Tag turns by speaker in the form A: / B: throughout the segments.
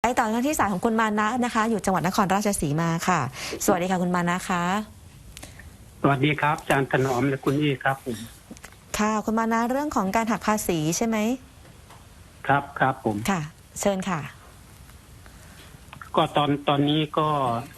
A: ต่อกันที่สายของคุณมานะนะคะอยู่จังหวัดนครราชสีมาค่ะสวัสดีค่ะคุณมานะคะ
B: สวัสดีครับอาจารย์ถนอมและคุณอี้ครับผม
A: ค่ะคุณมานะเรื่องของการหักภาษีใช่ไหม
B: ครับครับผม
A: ค่ะเชิญค่ะ
B: ก็ตอนนี้ก็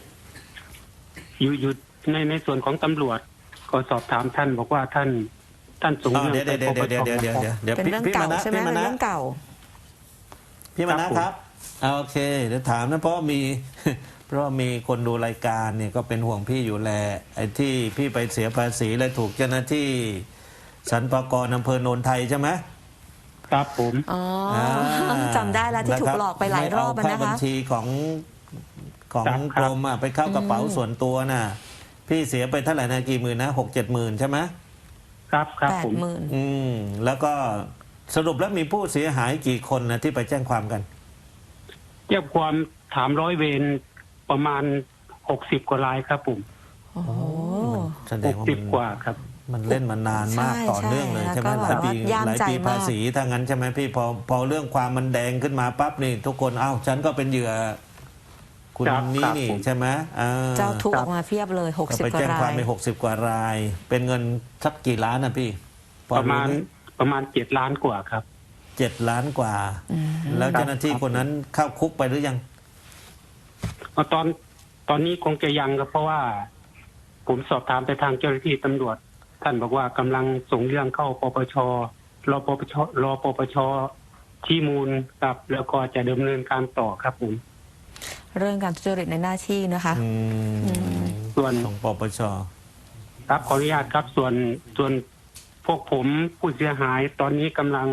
B: อยู่ในส่วนของตำรวจก็สอบถามท่านบอกว่าท่านส่งเรื่องไปปปช
A: เป็นเรื่องเก่าใช่ไหมเป็นเรื่องเก่า
C: พี่มานะครับโอเคเดี๋ยวถามนะเพราะมีคนดูรายการเนี่ยก็เป็นห่วงพี่อยู่แลไอ้ที่พี่ไปเสียภาษีและถูกเจ้าหน้าที่สรรพากรอำเภอโนนไทยใช่ไหม
B: ครับผม
A: จำได้แล้วที่ถูกหลอกไปหลายรอบนะคะ
C: บัญชีของกรมไปเข้ากระเป๋าส่วนตัวน่ะพี่เสียไปเท่าไหร่นะกี่หมื่นนะ6-7 หมื่นใช่ไหม
B: ครับผม
C: 80,000แล้วก็สรุปแล้วมีผู้เสียหายกี่คนนะที่ไปแจ้งความกัน
B: แจ้งความถามร้อยเวรประมาณ60 กว่ารายครับผม
A: โอ้โห
B: 60 กว่าครับ
C: มันเล่นมานานมากต่อเนื่องเลยใช่ไหมหลายปีภาษีถ้างั้นใช่ไหมพี่พอเรื่องความมันแดงขึ้นมาปั๊บนี่ทุกคนฉันก็เป็นเหยื่อคุณนี่ใช่ไหม
A: เจ้าทุกออกมาเพียบเลย60 กว่ารายไป
C: แจ้งความไป60 กว่ารายเป็นเงินสักกี่ล้านนะพี่
B: ประมาณ7 ล้านกว่าครับ
C: 7 ล้านกว่าแล้วเจ้าหน้าที่คนนั้นเข้าคุกไปหรือยัง
B: ตอนนี้คงจะยังครับเพราะว่าผมสอบถามไปทางเจ้าหน้าที่ตำรวจท่านบอกว่ากำลังส่งเรื่องเข้าปปชรอปปชชี้มูลครับแล้วก็จะดำเนินการต่อครับผม
A: เรื่องการทุจริตในหน้าที่นะคะ
B: ส่วน
C: ของปปช
B: ครับขออนุญาตครับส่วนพวกผมผู้เสียหายตอนนี้กำลัง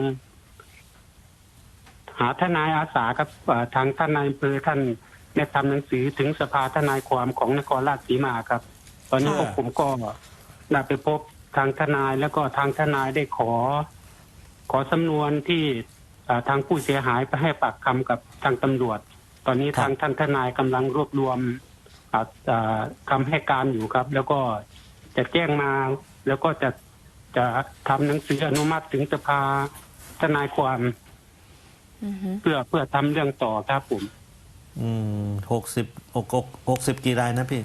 B: หาทนายอาสาครับทางทนายอำเภอท่านได้ทำหนังสือถึงสภาทนายความของนครราชสีมาครับตอนนี้พวกผมก็ได้ไปพบทางทนายแล้วก็ทางทนายได้ขอสำนวนที่ทางผู้เสียหายไปให้ปากคำกับทางตำรวจตอนนี้ทางท่านทนายกำลังรวบรวมคำให้การอยู่ครับแล้วก็จะแจ้งมาแล้วก็จะทำหนังสืออนุมัติถึงสภาทนายความเพื่อทำเรื่องต่อครับผม
C: 60กี่รายนะพี่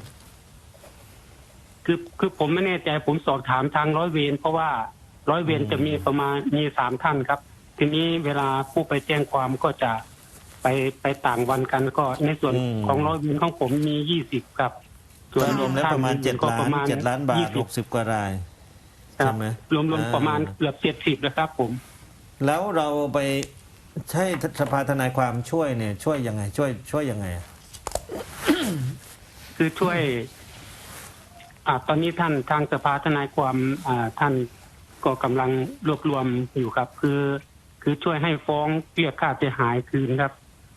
B: คือผมไม่แน่ใจผมสอบถามทางร้อยเวรเพราะว่าร้อยเวรจะมีประมาณ3 ท่านครับทีนี้เวลาผู้ไปแจ้งความก็จะไปต่างวันกันก็ในส่วนของร้อยเวรของผมมี20ครับ
C: ส่วนรวมแล้วประมาณ7 ล้านบาท60 กว่ารายใช่ไหม
B: รวมประมาณเกือบ70นะครับผม
C: แล้วเราไปใช้สภาทนายความช่วยเนี่ยช่วยยังไงช่วยยังไง
B: คือช่วยตอนนี้ท่านทางสภาทนายความท่านก็กำลังรวบรวมอยู่ครับคือช่วยให้ฟ้องเรียกค่าเสียหายคืนครับ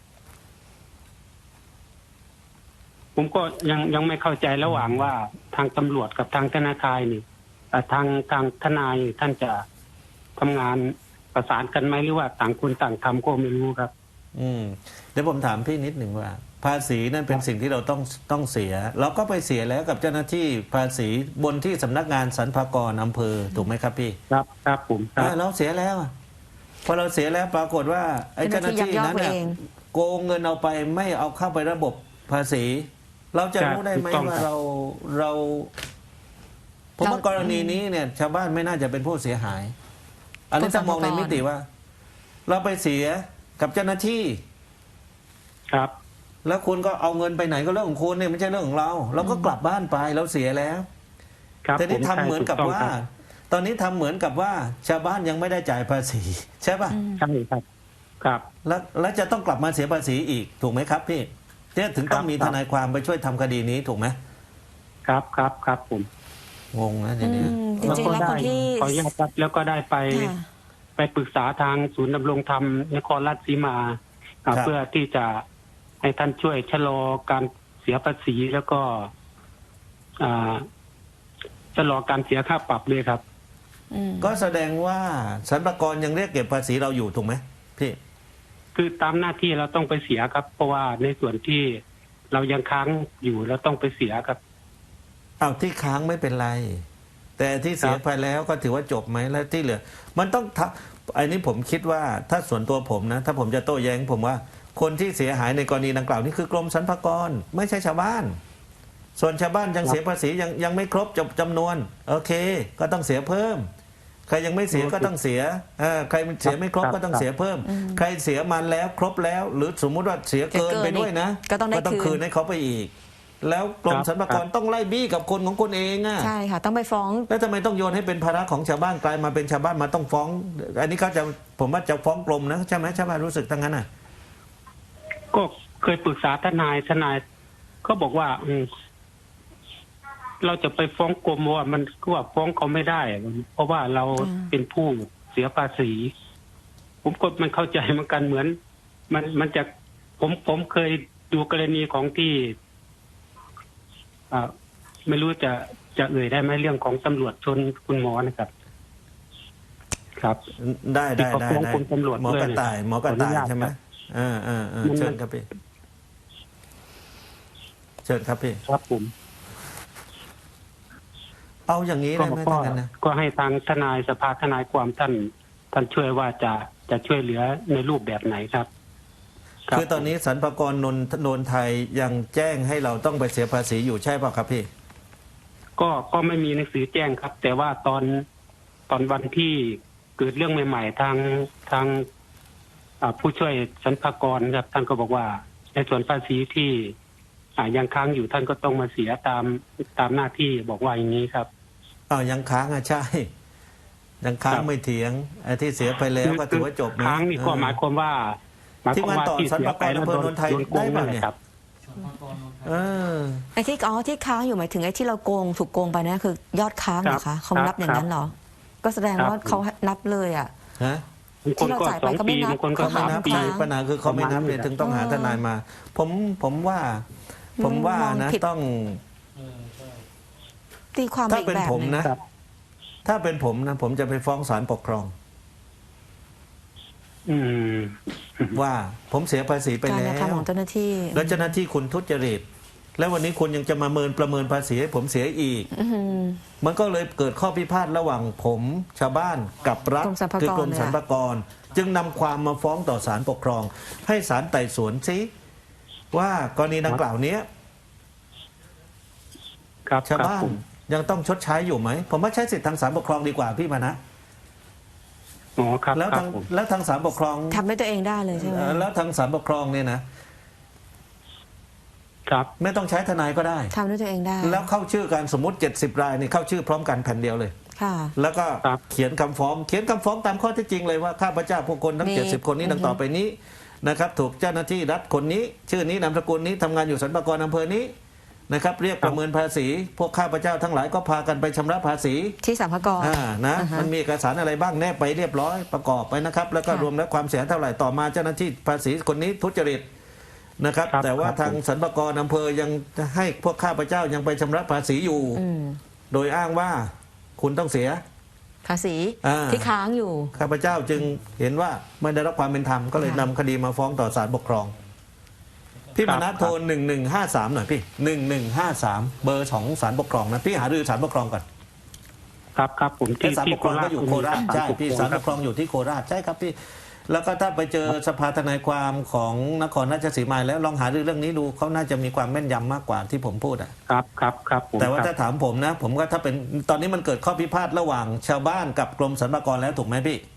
B: ผมก็ยังไม่เข้าใจระหว่างว่าทางตำรวจกับทางธนาคารนี่ทางทนายท่านจะทำงานประสานกันไหมหรือว่าต่างคนต่างทำก็ไม่รู้ครับ
C: เดี๋ยวผมถามพี่นิดหนึ่งว่าภาษีนั่นเป็นสิ่งที่เราต้องเสียเราก็ไปเสียแล้วกับเจ้าหน้าที่ภาษีบนที่สำนักงานสรรพากรอำเภอถูกไหมครับพี่
B: ครับผม
C: เราเสียแล้วพอเราเสียแล้วปรากฏว่าไอ้เจ้าหน้าที่นั้นเนี่ยโกงเงินเอาไปไม่เอาเข้าไประบบภาษีเราจะรู้ได้ไหมว่าเราผมว่ากรณีนี้เนี่ยชาวบ้านไม่น่าจะเป็นผู้เสียหายอันนี้ต้องมองในมิติว่าเราไปเสียกับเจ้าหน้าที่
B: ครับ
C: แล้วคุณก็เอาเงินไปไหนก็เรื่องของคุณเนี่ยไม่ใช่เรื่องของเราก็กลับบ้านไปเราเสียแล้วแต่นี่ทำเหมือนกับว่าตอนนี้ทำเหมือนกับว่าชาวบ้านยังไม่ได้จ่ายภาษีใช่ป่ะ
B: ใช่ครับ
C: แล้วจะต้องกลับมาเสียภาษีอีกถูกไหมครับพี่เนี่ยถึงต้องมีทนายความไปช่วยทำคดีนี้ถูกไหม
B: ครับผม
C: งงนะทีนี้
A: จริงๆแล้วคนที่
B: ขออนุญาตครับแล้วก็ได้ไปปรึกษาทางศูนย์ดำรงธรรมนครราชสีมาเพื่อที่จะให้ท่านช่วยชะลอการเสียภาษีแล้วก็ชะลอการเสียค่าปรับเลยครับ
C: ก็แสดงว่าสรรพากรยังเรียกเก็บภาษีเราอยู่ถูกไหมพี่
B: คือตามหน้าที่เราต้องไปเสียครับเพราะว่าในส่วนที่เรายังค้างอยู่เราต้องไปเสียครับ
C: ที่ค้างไม่เป็นไรแต่ที่เสียไปแล้วก็ถือว่าจบไหมแล้วที่เหลือมันต้องไอ้นี้ผมคิดว่าถ้าส่วนตัวผมนะถ้าผมจะโต้แย้งผมว่าคนที่เสียหายในกรณีดังกล่าวนี่คือกรมสรรพากรไม่ใช่ชาวบ้าน ส่วนชาวบ้านยังเสียภาษียังไม่ครบจำนวนโอเค ก็ต้องเสียเพิ่ม ใครยังไม่เสียก็ต้องเสียใครเสียไม่ครบก็ต้องเสียเพิ่ม ใครเสียมันแล้วครบแล้ว หรือสมมุติว่าเสียเกินไปด้วยนะ
A: ก็ต้อง
C: คืนให้เขาไปอีก แล้วกรมสรรพากรต้องไล่บี้กับคนของคนเองอ่ะ
A: ใช่ค่ะต้องไปฟ้อง
C: แล้วทำไมต้องโยนให้เป็นภาระของชาวบ้านกลายมาเป็นชาวบ้านมาต้องฟ้อง อันนี้เขาจะผมว่าจะฟ้องกรมนะใช่ไหมชาวบ้านรู้สึกทั้งนั้นอ่ะ
B: ก็เคยปรึกษาทนายก็บอกว่าเราจะไปฟ้องกรมว่ามันก็ว่าฟ้องเขาไม่ได้ เพราะว่าเราเป็นผู้เสียภาษี ผมก็มันเข้าใจเหมือนกันเหมือน มันจะผมเคยดูกรณีของที่ไม่รู้จะได้ไหมเรื่องของตำรวจชนคุณหมอนะครับ ครับ
C: ได้
B: ที่เขาฟ้องคุณตำรวจ
C: หมอกระต่ายใช่ไหมเชิญครับพี่เชิญครับพี่
B: ครับผม
C: เอาอย่างนี้ได้ไหมท่านนะ
B: ก็ให้ทางทนายสภาทนายความท่านช่วยว่าจะช่วยเหลือในรูปแบบไหนครับ
C: คือตอนนี้สรรพากรนนไทยยังแจ้งให้เราต้องไปเสียภาษีอยู่ใช่ป่ะครับพี่
B: ก็ไม่มีหนังสือแจ้งครับ แต่ว่าตอนวันที่เกิดเรื่องใหม่ๆทางผู้ช่วยสรรพากรครับท่านก็บอกว่าในส่วนภาษีที่ยังค้างอยู่ท่านก็ต้องมาเสียตามหน้าที่บอกว่าอย่างนี้ครับ
C: ยังค้างใช่ยังค้างไม่เถียงไอ้ที่เสียไปแล้วก็ถือว่าจบนะ
B: ค้างนี่ก็หมายความว่า
C: ที่มันต่อสรรพากรอำเภอนนทไทยได้ไหมเนี่ย
A: ไอ้ที่ค้างอยู่หมายถึงไอ้ที่เราถูกโกงไปนะคือยอดค้างเหรอคะเขานับอย่างนั้นเหรอก็แสดงว่าเขานับเลยอ่ะที่เราจ่ายไปก็ไม่นับ
C: เขาไม่นับปัญหาคือเขาไม่นับเลยถึงต้องหาทนายมาผมว่านะต้อง
A: ตีความ
C: ถ้าเป็นผมนะถ้าเป็นผมนะผมจะไปฟ้องศาลปกครองว่าผมเสียภาษีไปแล้ว
A: ของเจ้าหน้าที่
C: แล้วเจ้าหน้าที่คุณทุจริตแล้ววันนี้คุณยังจะมาประเมินภาษีให้ผมเสียอีกมันก็เลยเกิดข้อพิพาทระหว่างผมชาวบ้านกับรัฐคือกรมสรรพากรจึงนำความมาฟ้องต่อศาลปกครองให้ศาลไต่สวนซิว่ากรณีดังกล่าวนี้ชาวบ้านยังต้องชดใช้อยู่ไหมผมว่าใช้สิทธิทางศาลปกครองดีกว่าพี่มานะแล้วทางศาลปกครอง
A: ทำให้ตัวเองได้เลยใช่ไหม
C: แล้วทางศาลปกครองเนี่ยนะไม่ต้องใช้ทนายก็ได้
A: ทำด้วยตัวเองได้
C: แล้วเข้าชื่อกันสมมติ70 รายนี่เข้าชื่อพร้อมกันแผ่นเดียวเลยแล้วก็เขียนคำฟ้องตามข้อเท็จจริงเลยว่าข้าพเจ้าพวกคนทั้ง70 คนนี้ดังต่อไปนี้นะครับถูกเจ้าหน้าที่รัฐคนนี้ชื่อนี้นามสกุลนี้ทำงานอยู่สรรพากรอำเภอนี้นะครับเรียกประเมินภาษีพวกข้าพเจ้าทั้งหลายก็พากันไปชำระภาษี
A: ที่สรรพากร
C: นะมันมีเอกสารอะไรบ้างแนบไปเรียบร้อยประกอบไปนะครับแล้วก็รวมแล้วความเสียเท่าไหร่ต่อมาเจ้าหน้าที่ภาษีคนนี้ทุจริตนะครับแต่ว่าทางสรรพากรอำเภอยังให้พวกข้าพเจ้ายังไปชำระภาษีอยู่โดยอ้างว่าคุณต้องเสีย
A: ภาษีที่ค้างอยู่
C: ข้าพเจ้าจึงเห็นว่าไม่ได้รับความเป็นธรรมก็เลยนำคดีมาฟ้องต่อศาลปกครองพี่มานะโทร1153หน่อยพี่1153เบอร์ของศาลปกครองนะพี่หารือศาลปกครองก่อน
B: ครับผม
C: ที่ศาลปกครองก็อยู่โคราชใช่พี่ศาลปกครองอยู่ที่โคราชใช่ครับพี่แล้วก็ถ้าไปเจอสภาทนายความของนครราชสีมาแล้วลองหาเรื่องนี้ดูเขาน่าจะมีความแม่นยำมากกว่าที่ผมพูด
B: ครับ
C: แต่ว่าถ้าถามผมนะผมก็ถ้าเป็นตอนนี้มันเกิดข้อพิพาทระหว่างชาวบ้านกับกรมสรรพากรแล้วถูกไหมพี่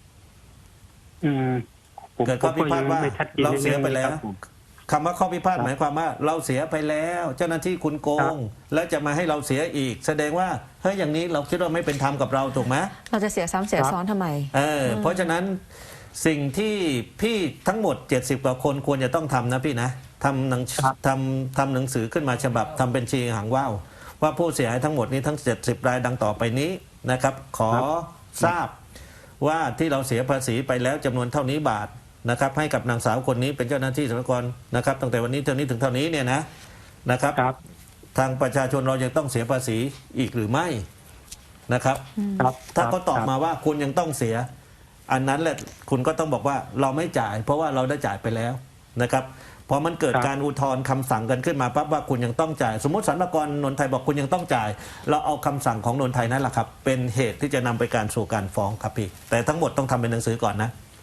C: เกิดข้อพิพาทว่าเราเสียไปแล้วคำว่าข้อพิพาทหมายความว่าเราเสียไปแล้วเจ้าหน้าที่คุณโกงแล้วจะมาให้เราเสียอีกแสดงว่าเฮ้ยอย่างนี้เราคิดว่าไม่เป็นธรรมกับเราถูกไหม
A: เราจะเสียซ้ำเสียซ้อนทำไม
C: เพราะฉะนั้นสิ่งที่พี่ทั้งหมด70 กว่าคนควรจะต้องทำนะพี่นะทำหนังสือขึ้นมาฉบับทำเป็นชีหางว่าวว่าผู้เสียหายทั้งหมดนี้ทั้ง70 รายดังต่อไปนี้นะครับขอทราบว่าที่เราเสียภาษีไปแล้วจำนวนเท่านี้บาทนะครับให้กับนางสาวคนนี้เป็นเจ้าหน้าที่สรรพากรนะครับตั้งแต่วันนี้เท่านี้ถึงเท่านี้เนี่ยนะครับทางประชาชนเรายังต้องเสียภาษีอีกหรือไม่นะครับถ้าเขาตอบมาว่าคุณยังต้องเสียอันนั้นแหละคุณก็ต้องบอกว่าเราไม่จ่ายเพราะว่าเราได้จ่ายไปแล้วนะครับพอมันเกิดการอุทธรณ์คำสั่งกันขึ้นมาปั๊บว่าคุณยังต้องจ่ายสมมติสรรพากรนนทไทยบอกคุณยังต้องจ่ายเราเอาคำสั่งของนนทไทยนั่นแหละครับเป็นเหตุที่จะนำไปการสู่การฟ้องครับพี่แต่ทั้งหมดต้องทำเป็นหนังสือก่อนนะ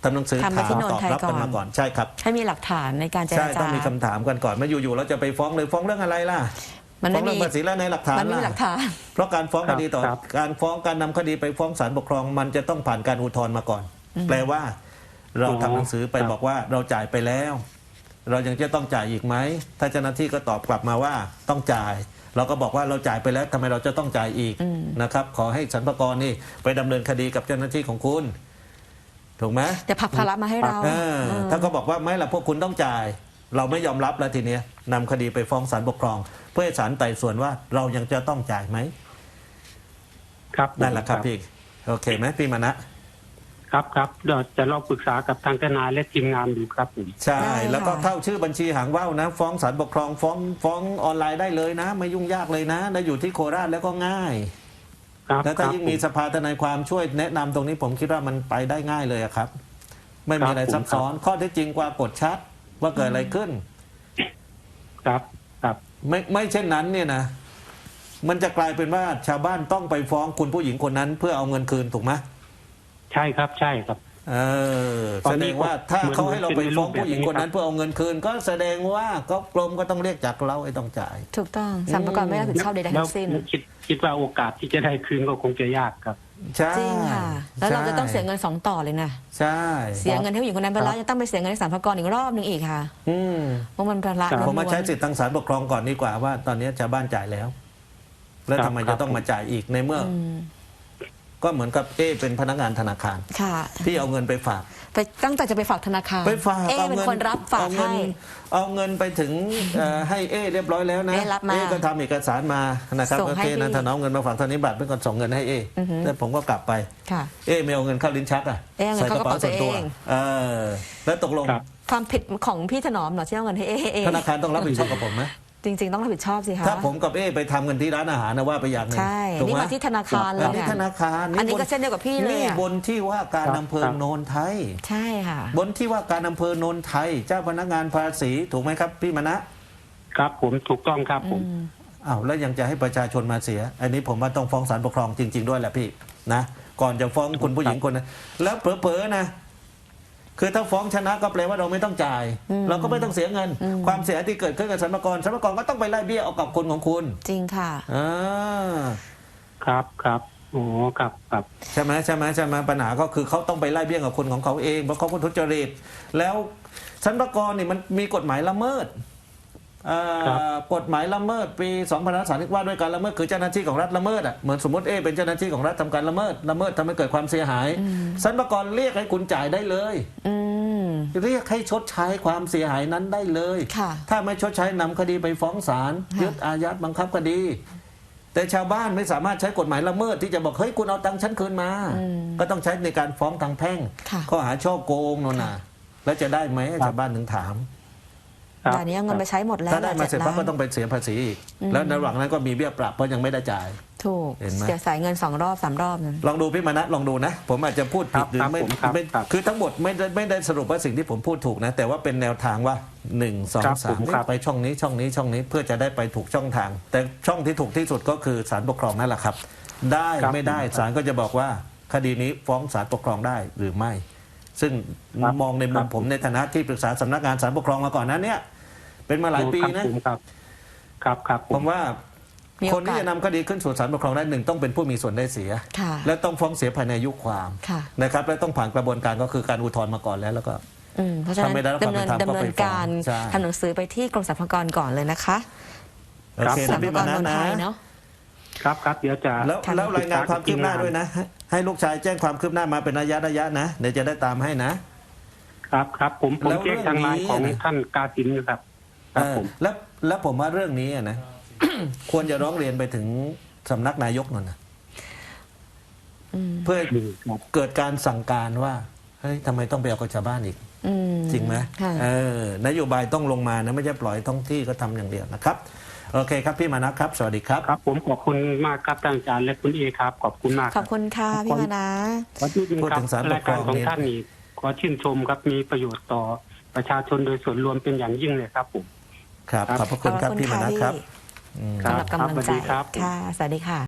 C: ทำหนังสือ
A: ทำไป
C: ถาม
A: ที่โนน
C: ตอบ
A: ไทย
C: รับกัน
A: ก่อน
C: มาก่อนใช่ครับ
A: ให้มีหลักฐานในการเจร
C: ใช่
A: จา
C: ต้องมีคำถามกันก่อนไม่อยู่ๆเราจะไปฟ้องเลยฟ้องเรื่องอะไรล่ะ
A: มัน
C: ฟ้อ
A: ไม่
C: งเรื่อง
A: มี
C: ภาษีและในหลักฐาน
A: มันไม่มีหลักฐาน
C: เพราะการฟ้องคดีต่อ
B: ครับ
C: การฟ้องการนำคดีไปฟ้องศาลปกครองมันจะต้องผ่านการอุทธรณ์มาก่อน แปลว่า เราทำหนังสือไปบอกว่าเราจ่ายไปแล้ว เรายังจะต้องจ่ายอีกไหมถ้าเจ้าหน้าที่ก็ตอบกลับมาว่าต้องจ่าย เราก็บอกว่าเราจ่ายไปแล้วทำไมเราจะต้องจ่ายอีกนะครับ ขอให้สรรพากรนี่ไปดำเนินคดีกับเจ้าหน้าที่ของคุณถูกไหม
A: จะผลักภาระมาให้เรา
C: ถ้าก็บอกว่าไม่ละพวกคุณต้องจ่าย เราไม่ยอมรับแล้วทีเนี้ยนำคดีไปฟ้องศาลปกครอง เพื่อให้ศาลไต่สวนว่าเรายังจะต้องจ่ายไหม
B: ครับ
C: นั่นแหละครับพี่โอเคไหมพี่มานะครับ
B: ครับเดี๋ยวจะลองปรึกษากับทางทนายและทีมงานดูครับผม
C: ใช่
A: ได้ค่ะ
C: แล้วก็เข้าชื่อบัญชีหางว่าวนะ ฟ้องศาลปกครองฟ้องออนไลน์ได้เลยนะ ไม่ยุ่งยากเลยนะแล้วอยู่ที่โคราชแล้วก็ง่าย
B: ครับ
C: แล้วถ้า
B: ครับ
C: ยิ่งมีสภาทนายความช่วยแนะนำตรงนี้ผมคิดว่ามันไปได้ง่ายเลยอะครับ ไม่มีอะไรซับซ้อนข้อเท็จจริงกว่ากดชัดว่าเกิดอะไรขึ้น
B: ครับครับ
C: ไม่เช่นนั้นเนี่ยนะ มันจะกลายเป็นว่าชาวบ้านต้องไปฟ้องคุณผู้หญิงคนนั้น เพื่อเอาเงินคืนถูกไหม
B: ใช่ครับใช่ครับ ตอ
C: แส
B: น
C: ด
B: นี้
C: งว่า
B: ก็
C: ถ้าเขา
B: เหมือน
C: ให้เราไปฟ้องผู้หญิงคนนั้น
B: เป็นรูปแบบนี้ครับ
C: เพื่อเอาเงินคืน ก็แสดงว่าก็กรมก็ต้องเรียกจากเราไอ้ต้องจ่าย
A: ถูกต้องสรรพากรไม่รับผิดชอบใดๆทั้งสิ้น
B: แล้วคิดว่าโอกาสที่จะได้คืนก็คงจะยากครับ
C: ใช่
A: จริงค่ะ แล้วเราจะต้องเสียเงิน2 ต่อเลยนะ
C: ใช่
A: เสียเงินให้ผู้หญิงคนนั้นไปแล้วยังต้องไปเสียเงินให้สรรพากรอีกรอบหนึ่งอีกค่ะ
C: อืม
A: เพราะมันภาระ
B: ครับ
C: ผมมา
A: ล้วนๆ
C: ใช้สิทธิ์ทางศาลปกครองก่อนดีกว่าว่า ตอนนี้ชาวบ้านจ่ายแล้ว แล้วทำไม
B: ครั
C: จะ
B: บ
C: ต้องมาจ่ายอีกในเมื่ออก็เหมือนกับเป็นพนักงานธนาคาร
A: ค่ะ
C: ที่เอาเงินไปฝาก
A: ไปตั้งใจจะไปฝากธนาคาร
C: ไปฝาก
A: เป็นคนรับฝากให้
C: เอาเงินไปถึงให้เรียบร้อยแล้วนะ
A: รับมา
C: ก็ทำเอกสารมานะครับ
A: ส่ง
C: โอ
A: ให้
C: เคนะ
A: พี่
C: ถ้าน้องเงินมาฝากธนิบัตรเป็นคนส่งเงินให้แล้วผมก็กลับไป
A: ค่ะ
C: ไม่เอาเงินเข้าลิ้นชักอ่ะ
A: เอาเงินเข้ากระเป๋าตัวเอง
C: แล้วตกลง
B: ครับ
A: ความผิดของพี่ถนอมเหรอที่เอาเงินให้เอ
C: ธนาคารต้องรับผิดชอบกับผมไหม
A: จริง ๆ ต้องรับผิดชอบสิคะ
C: ถ้าผมกับไปทำกันที่ร้านอาหารนะว่าไปอย่างหนึง
A: ใช่
C: ถูก
A: นี่
C: ไหม
A: มาที่ธนาคารเล
C: อั
A: ย
C: นนี้
A: ค่ะ
C: ธนาคาร
A: อันนี้ก็เช่นเดียวกับพี่เลย
C: นี่
A: อะ
C: บนที่ว่าการ
B: ครับ
C: อำเภอ
B: ครับ
C: โนนไทย
A: ใช่ค่ะ
C: บนที่ว่าการอำเภอโนนไทย เจ้าพนักงานภาษีถูกไหมครับพี่มณะ
B: ครับผมถูกต้องครับผม
C: อ้าวแล้วยังจะให้ประชาชนมาเสีย อันนี้ผมว่าต้องฟ้องศาลปกครองจริง ๆ ด้วยแหละพี่นะก่อนจะฟ้องคุณผู้หญิงคนนั้นแล้วเผลอๆนะคือถ้าฟ้องชนะก็แปลว่าเราไม่ต้องจ่าย เราก็ไม่ต้องเสียเงิน ความเสียหายที่เกิดขึ้นกับสรรพากรก็ต้องไปไล่เบี้ยเอากับคนของคุณ
A: จริงค่ะ
C: อ่า
B: ครับครับโอ้ครับครับ
C: ใช่ไหมปัญหาก็คือเขาต้องไปไล่เบี้ยกับคนของเขาเองเพราะเขาก็ทุจริตแล้วสรรพากรนี่มันมีกฎหมายละเมิดกฎหมายละเมิดปี2530ว่าด้วยการละเมิดคือเจ้าหน้าที่ของรัฐละเมิดอ่ะเหมือนสมมติเป็นเจ้าหน้าที่ของรัฐทำการละเมิดทำให้เกิดความเสียหายสรรพากรเรียกให้คุณจ่ายได้เลย
A: อืม
C: เรียกให้ชดใช้ความเสียหายนั้นได้เลย
A: ค่ะ
C: ถ้าไม่ชดใช้นำคดีไปฟ้องศาล
A: ค่ะ
C: ยึดอายัดบังคับคดี แต่ชาวบ้านไม่สามารถใช้กฎหมายละเมิดที่จะบอกเฮ้ยคุณเอาตังค์ฉันคืนมา ก็ต้องใช้ในการฟ้องทางแพ่ง
A: ค่ะ
C: ข้อหาช่อโกงนั่นน่ะแล้วจะได้ไหมชาวบ้านถึงถาม
B: ครับ
A: แต่อันนี้เอาเงินไปใช้หมดแล้ว
C: ถ้าได้มาเสร็จปั๊บ
A: 7
C: ก็ต้องไปเสียภาษีอีกแล้วในระหว่างนั้นก็มีเบี้ยปรับเพราะยังไม่ได้จ่าย
A: ถูก
C: เห็นไหม
A: เสียสายเงิน2 รอบ 3 รอบนั้น
C: ลองดูพี่มนัสลองดูนะ ผมอาจจะพูดผิดหรือไม่
B: ผมครับ
C: ไม่
B: ครับ
C: คือทั้งหมดไม่ได้สรุปว่าสิ่งที่ผมพูดถูกนะ แต่ว่าเป็นแนวทางว่า1
B: ครับ
C: 2
B: ผม
C: 3
B: ครับ
C: ไปช่องนี้เพื่อจะได้ไปถูกช่องทาง แต่ช่องที่ถูกที่สุดก็คือศาลปกครองนั่นแหละครับ ได้
B: ครับ
C: ไม่ได้
B: ผมครับ
C: ศาลก็จะบอกว่าคดีนี้ฟ้องศาลปกครองได้หรือไม่ ซึ่ง
B: ครับ
C: มองในมุ
B: ครั
C: ม
B: บ
C: ผมในฐานะที่ปรึกษาสำนักงานศาลปกครองมาก่อนนั้นเนี่ยเป็นมาหลายปีนะ
B: ผมครับครับครับผ
C: ผม มว่า
A: มี
C: ค
A: โอกาส
C: นที่จะนำคดีขึ้นสู่ศาลปกครองได้หนึ่งต้องเป็นผู้มีส่วนได้เสีย
A: ค่ะ
C: และต้องฟ้องเสียภายในอายุความ
A: ค่ะ
C: นะครับและต้องผ่านกระบวนการก็คือการอุทธรณ์มาก่อนแล้วก็
A: เพราะฉะนั้น
C: ถ้าไม่ได้รับความเป็นธรรม
A: ดำเนินการ
C: ก็ไปฟ้องใช่
A: ทำหนังสือไปที่กรมสรรพากรก่อนเลยนะคะ
C: โอเค
A: สร
C: นะ
A: รพา
C: พี่
A: ก
C: มาร นะ
A: นน
C: นะ
A: ไทยเนาะ
B: ครับครับเดี๋ยวจะ
C: แล้วรายงานความคืบหน้าด้วยนะ ให้ลูกชายแจ้งความคืบหน้ามาเป็นระยะนะเดี๋ยวจะได้ตามให้นะครับ
B: ครับผม
C: แล้ว
B: แจ้งทางไลน์ของ
C: เรื่องนี้
B: ท่านกาสินครับครับผม
C: แล้วผมว่าเรื่องนี้นะ ควรจะร้องเรียนไปถึงสำนักนายกนั่นนะเพื่อ
B: ครับ
C: เกิดการสั่งการว่าเฮ้ยทำไมต้องไปเอากับชาวบ้านอีก จริงไหม
A: ค่ะ
C: นโยบายต้องลงมานะไม่ใช่ปล่อยท้องที่ก็ทำอย่างเดียวนะครับโอเคครับพี่มานะครับ สวัสดีครับ
B: ครับ ผมขอบคุณมากครับท่านอาจารย์และคุณเอครับ ขอบคุณมาก
A: ขอบคุณค่ะพี่มานะ
B: ขอชื่นชม
C: พูด
B: ครั
C: ถึ
B: บ
C: งศาลป
B: ราก ย
C: คร
B: การ
C: อง
B: ของ
C: เนี่ย
B: ท่านนี่ขอชื่นชมครับมีประโยชน์ต่อประชาชนโดยส่วนรวมเป็นอย่างยิ่งเลยครับผม
C: ครับขอบพระคุณครับพี่มานะครับ
A: สำหรับกำลังใจ
B: ครับสวัสดีครับ
A: ค่ะ สวัสดีค่ะ